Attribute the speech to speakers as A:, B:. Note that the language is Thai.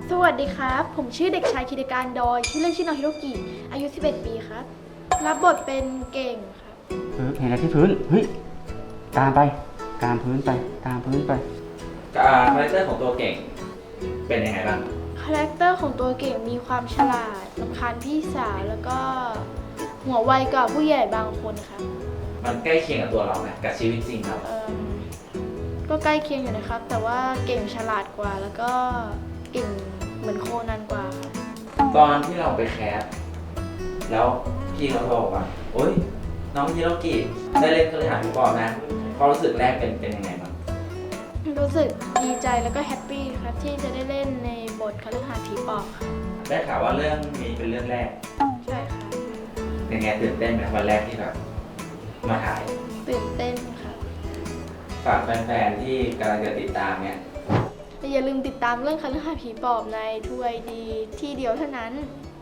A: สวัสดีครับผมชื่อเด็กชายคิดการดอยชื่อเล่นชื่อน้องฮิโรกิอายุ11ปีครับรับบทเป็นเก่งครับ
B: เห็นอะไรที่พื้นเฮ้ยตามไปตามพื้นไปตามพื้นไป
C: คาแรคเตอร์ของตัวเก่งเป็นยังไงบ้าง
A: คาแรคเตอร์ของตัวเก่งมีความฉลาดรำคาญพี่สาวแล้วก็หัวไวกว่าผู้ใหญ่บางคนครับ
C: มันใกล้เคียงกับตัวเราไหมกับชีวิตจริงเรา
A: ก็ใกล้เคียงอยู่นะครับแต่ว่าเก่งฉลาดกว่าแล้วก็เก่งเหมือนโคนันกว่าครับ
C: ตอนที่เราไปแคสแล้วพี่เขาบอกว่าโอ๊ยน้องฮิโรกิได้เล่นคฤหาสน์ผีปอบนะความรู้สึกแรกเป็นยังไงบ้าง
A: รู้สึกดีใจแล้วก็แฮปปี้ครับที่จะได้เล่นในบทคฤหาสน์ผีปอบค่ะ
C: ได้ข่าวว่าเรื่องนี้เป็นเรื่องแรก
A: ใช่ค่ะ
C: เป็นไงตื่นเต้นไหมวันแรกที่แบบมาถ่าย
A: ตื่นเต้นค่ะ
C: ฝากแฟนๆที่กำลังจะติดตามเนี่ย
A: อย่าลืมติดตามเรื่องคฤหาสน์ผีปอบในทูไอดีที่เดียวเท่านั้น